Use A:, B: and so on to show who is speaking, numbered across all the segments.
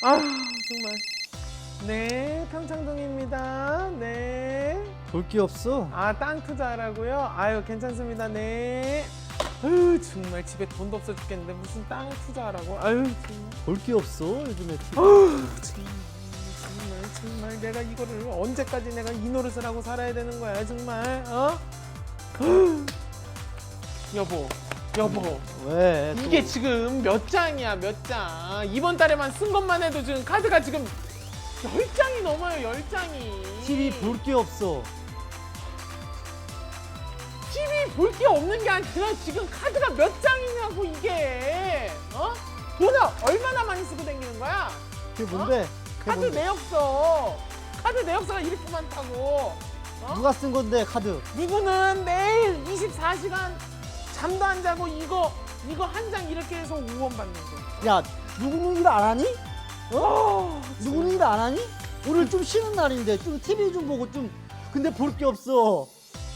A: 아 정말. 네, 평창동입니다. 네.
B: 볼 게 없어.
A: 아, 땅 투자하라고요? 아유, 괜찮습니다. 네. 아유, 정말 집에 돈도 없어 죽겠는데 무슨 땅 투자하라고? 아유, 정말.
B: 볼 게 없어 요즘에.
A: 정말 내가 이거를 언제까지 내가 이 노릇을 하고 살아야 되는 거야, 정말? 어? 여보.
B: 왜? 또?
A: 이게 지금 몇 장이야, 몇 장? 이번 달에만 쓴 것만 해도 지금 카드가 지금 10장이 넘어요, 10장이.
B: TV 볼 게 없어.
A: TV 볼 게 없는 게 아니라 지금 카드가 몇 장이냐고, 이게. 어? 돈을 얼마나 많이 쓰고 다니는 거야?
B: 그게 뭔데? 그게
A: 카드
B: 뭔데?
A: 내역서. 카드 내역서가 이렇게 많다고. 어?
B: 누가 쓴 건데 카드?
A: 누구는 매일 24시간 잠도 안 자고 이거 한 장 이렇게 해서 5원 받는 거.
B: 야, 누구는 일 안 하니? 누구는 일 안 하니? 오늘 좀 쉬는 날인데 좀 TV 좀 보고 좀. 근데 볼 게 없어.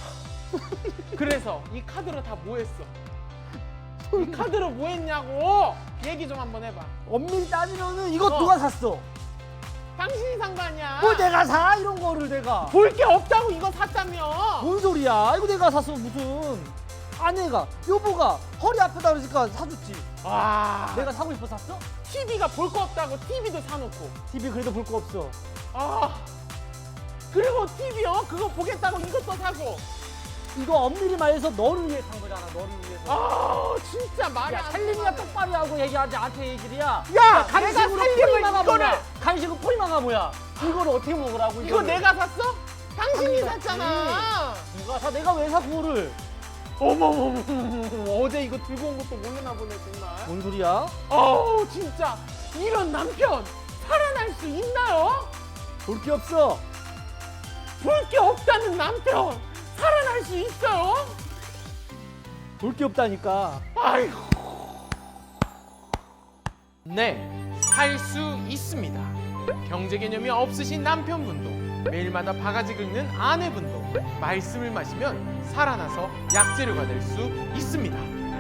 A: 그래서 이 카드로 다 뭐 했어? 이 카드로 뭐 했냐고! 얘기 좀 한번 해봐.
B: 엄밀히 따지면은 이거
A: 어.
B: 누가 샀어?
A: 당신이 산 거 아니야?
B: 뭐 내가 사? 이런 거를 내가.
A: 볼 게 없다고 이거 샀다며!
B: 뭔 소리야? 이거 내가 샀어 무슨. 아내가, 여보가 허리 아프다 그러니까 사줬지.
A: 와,
B: 내가 사고 싶어 샀어?
A: TV가 볼 거 없다고 TV도 사놓고.
B: TV 그래도 볼 거 없어.
A: 아, 그리고 TV요? 그거 보겠다고 이것도 사고.
B: 이거 엄밀히 말해서 너를 위해 산 거잖아. 너를 위해서.
A: 아, 진짜 말이
B: 야,
A: 안
B: 살림이야
A: 통하네.
B: 똑바로 하고 얘기하지 않게 얘기를 야.
A: 야,
B: 간식으로
A: 내가 살림을
B: 포리마가
A: 이거를
B: 뭐야? 간식은 포리마가 뭐야? 이거를 어떻게 먹으라고?
A: 이거
B: 이거를.
A: 내가 샀어? 당신이
B: 당연히
A: 샀잖아.
B: 누가 사? 내가 왜 사 그거를?
A: 어머머머, 어제 이거 들고 온 것도 모르나 보네 정말.
B: 뭔 소리야?
A: 어우, 진짜 이런 남편 살아날 수 있나요?
B: 볼 게 없어.
A: 볼 게 없다는 남편 살아날 수 있어요?
B: 볼 게 없다니까.
A: 아이고. 네, 살 수 있습니다. 경제 개념이 없으신 남편분도 매일마다 바가지 긁는 아내분도 말씀을 마시면 살아나서 약재료가 될 수 있습니다.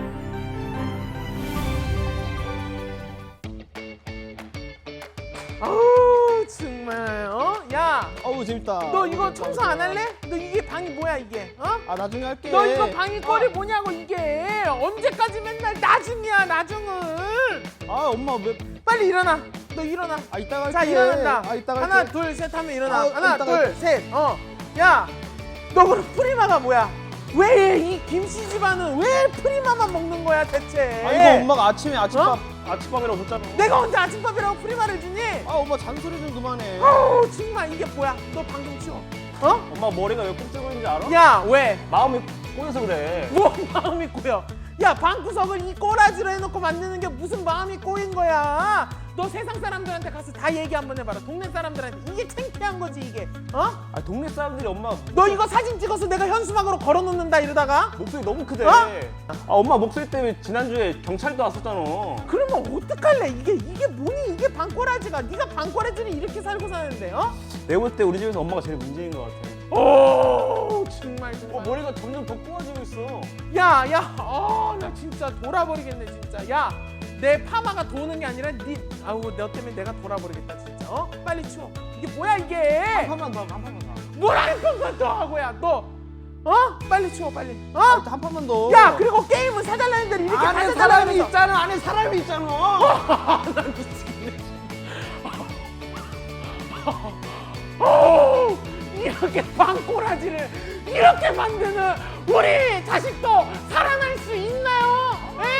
A: 아우 정말 야,
B: 어우 재밌다.
A: 너 이거 청소 안 할래? 너 이게 방이 뭐야 이게?
B: 아 나중에 할게.
A: 너 이거 방이 꼴이 뭐냐고 이게? 언제까지 맨날 나중이야 나중은?
B: 아 엄마 왜?
A: 빨리 일어나. 너 일어나.
B: 아 이따가 할게.
A: 자 일어난다.
B: 아 이따가
A: 하나
B: 할게.
A: 둘 셋 하면 일어나.
B: 아,
A: 하나
B: 이따가
A: 둘
B: 할게.
A: 셋. 야, 너 그럼 프리마가 뭐야? 왜 이 김씨 집안은 왜 프리마만 먹는 거야 대체?
B: 아 이거 엄마가 아침에 아침밥이라고 줬잖아.
A: 내가 언제 아침밥이라고 프리마를 주니?
B: 아 엄마 잔소리 좀 그만해.
A: 아우 정말 이게 뭐야? 너 방금 치워.
C: 엄마 머리가 왜 꼭 뜨고 있는지 알아?
A: 야 왜?
C: 마음이 꼬여서 그래.
A: 뭐 마음이 꼬여? 야 방구석을 이 꼬라지로 해놓고 만드는 게 무슨 마음이 꼬인 거야? 너 세상 사람들한테 가서 다 얘기 한번 해봐라. 동네 사람들한테 이게 창피한 거지 이게.
C: 아 동네 사람들이 엄마
A: 너 이거 사진 찍어서 내가 현수막으로 걸어놓는다 이러다가
C: 목소리 너무 크대.
A: 어?
C: 아 엄마 목소리 때문에 지난주에 경찰도 왔었잖아.
A: 그러면 어떡할래? 이게 뭐니? 이게 방꼬라지가. 네가 방꼬라지를 이렇게 살고 사는데
C: 내가 볼 때 우리 집에서 엄마가 제일 문제인 것 같아.
A: 오 정말 정말.
C: 머리가 점점 더 꼬아지고 있어.
A: 야, 나 진짜 돌아버리겠네 진짜. 야, 내 파마가 도는 게 아니라 너 때문에 내가 돌아버리겠다 진짜. 빨리 치워. 이게 뭐야 이게?
C: 한 판만 더.
A: 뭘 한 번만 더 하고야 너. 빨리 치워 빨리.
B: 한 판만 더.
A: 야, 그리고 게임은 사달라는 대로 이렇게
B: 안에
A: 다
B: 사람이
A: 사달라면서.
B: 있잖아. 안에 사람이 있잖아.
A: 난 미치겠네. 이렇게 방꼬라지를 이렇게 만드는 우리 자식도 살아날 수 있나요?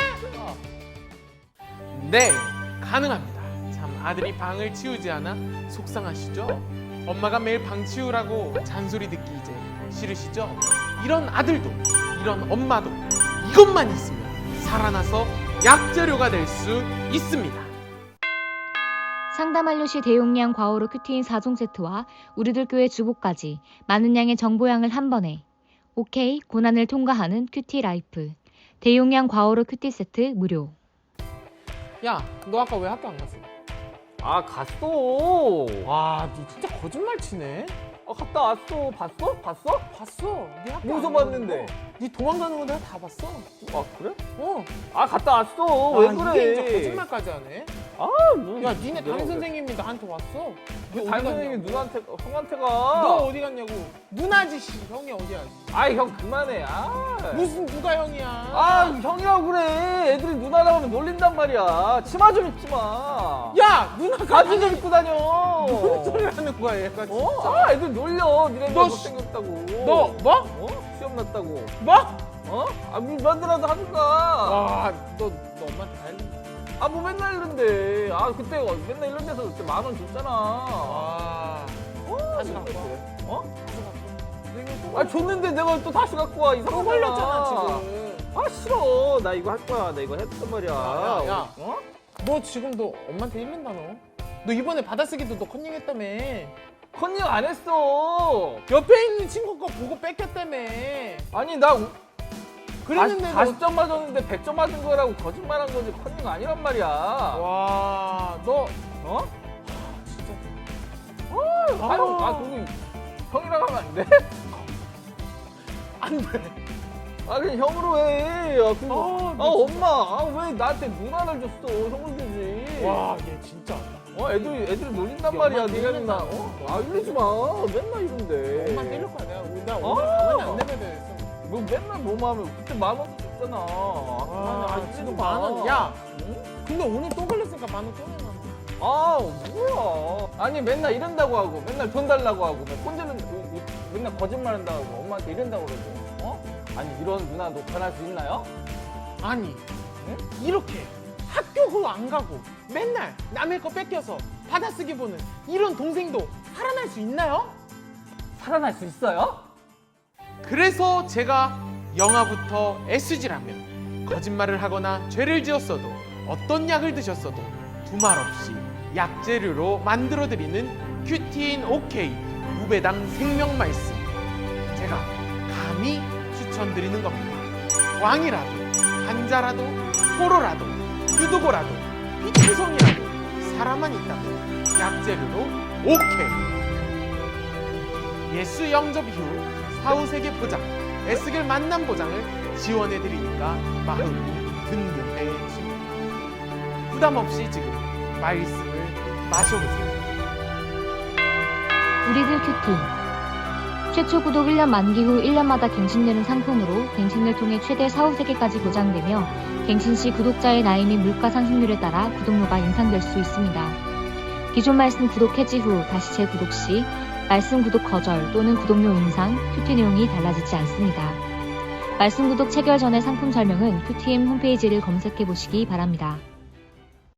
A: 네, 가능합니다. 참 아들이 방을 치우지 않아 속상하시죠? 엄마가 매일 방 치우라고 잔소리 듣기 이제 싫으시죠? 이런 아들도 이런 엄마도 이것만 있으면 살아나서 약재료가 될 수 있습니다.
D: 상담 완료시 대용량 과오로 큐티인 4종 세트와 우리들 교회 주보까지 많은 양의 정보량을 한 번에. 오케이, 고난을 통과하는 큐티 라이프. 대용량 과오로 큐티 세트 무료.
A: 야, 너 아까 왜 학교 안 갔어?
C: 아 갔어.
A: 와, 너 진짜 거짓말 치네.
C: 갔다 왔어. 봤어?
A: 봤어. 네 학교
C: 어디서
A: 안 가는
C: 봤는데?
A: 거. 네 도망가는 거 내가 다 봤어.
C: 아 그래?
A: 어.
C: 아 갔다 왔어. 왜
A: 아,
C: 그래?
A: 이게 이제 거짓말까지 하네.
C: 뭐.
A: 야, 니네 담임 선생님이 나한테 왔어. 너 어디
C: 담임 선생님이
A: 갔냐고.
C: 형한테
A: 너
C: 가.
A: 어디 갔냐고. 누나지 씨. 형이 어디야?
C: 아이, 형 그만해.
A: 무슨 누가 형이야?
C: 형이라고 그래. 애들이 누나라고 하면 놀린단 말이야. 치마 좀 입지 마.
A: 야, 누나가
C: 바지 좀 입고 다녀.
A: 무슨 소리 하는 거야, 얘가 진짜.
C: 애들 놀려. 니네가
A: 너
C: 못생겼다고.
A: 너 뭐?
C: 시험 났다고.
A: 뭐?
C: 밀반드라도 하든가.
A: 와, 너 엄마한테 다 했는데.
C: 뭐 맨날 이런데. 그때 맨날 이런 데서 그때 10,000원 줬잖아.
A: 와. 다시 갖고 와.
C: 줬는데 내가 또 다시 갖고 와.
A: 또
C: 이상하잖아.
A: 걸렸잖아, 지금.
C: 싫어. 나 이거 할 거야. 나 이거 했단 말이야.
A: 야. 너 지금 너 엄마한테 이른다, 너. 너 이번에 받아쓰기도 너 컨닝했다며.
C: 컨닝 안 했어.
A: 옆에 있는 친구 거 보고 뺏겼다며.
C: 아니, 나
A: 그랬는데
C: 40점 맞았는데 100점 맞은 거라고 거짓말한 거지. 컨닝 아니란 말이야.
A: 와, 너 진짜.
C: 그거 형이랑 하면 안 돼?
A: 안 돼.
C: 그냥 형으로 해. 엄마. 왜 나한테 누나를 줬어? 형을 주지.
A: 와, 얘 진짜.
C: 애들이 놀린단
A: 야,
C: 말이야.
A: 엄마
C: 니네
A: 때린다.
C: 누나. 이러지 마. 맨날 이런데.
A: 엄마 때릴 거야, 내가. 나 오늘 가만히 안 내면 돼.
C: 뭐 맨날 뭐만 하면 그때 10,000원도 줬잖아.
A: 지금 10,000원. 야, 근데 오늘 또 걸렸으니까 10,000원 또 내놔.
C: 뭐야. 아니, 맨날 이런다고 하고, 맨날 돈 달라고 하고, 맨날 거짓말 한다고 하고, 엄마한테 이런다고 그러고, 아니, 이런 누나 너 변할 수 있나요?
A: 아니, 이렇게 학교도 안 가고 맨날 남의 거 뺏겨서 받아쓰기 보는 이런 동생도 살아날 수 있나요?
C: 살아날 수 있어요?
A: 그래서 제가 영아부터 SG라면 거짓말을 하거나 죄를 지었어도 어떤 약을 드셨어도 두말 없이 약재료로 만들어드리는 큐티인 OK 무배당 생명 말씀 제가 감히 추천드리는 겁니다. 왕이라도 한자라도 포로라도 유도고라도 피투성이라도 사람만 있다면 약재료로 OK 예수 영접 이후 사후세계 보장 에스겔 만남 보장을 지원해드리니까 마음이 든든해집니다. 부담 없이 지금 말씀을 마셔보세요.
D: 우리들 큐티 최초 구독 1년 만기 후 1년마다 갱신되는 상품으로 갱신을 통해 최대 4~5세기까지 보장되며 갱신 시 구독자의 나이 및 물가 상승률에 따라 구독료가 인상될 수 있습니다. 기존 말씀 구독 해지 후 다시 재구독 시 말씀 구독 거절 또는 구독료 인상, 큐티 내용이 달라지지 않습니다. 말씀 구독 체결 전의 상품 설명은 큐티임 홈페이지를 검색해 보시기 바랍니다.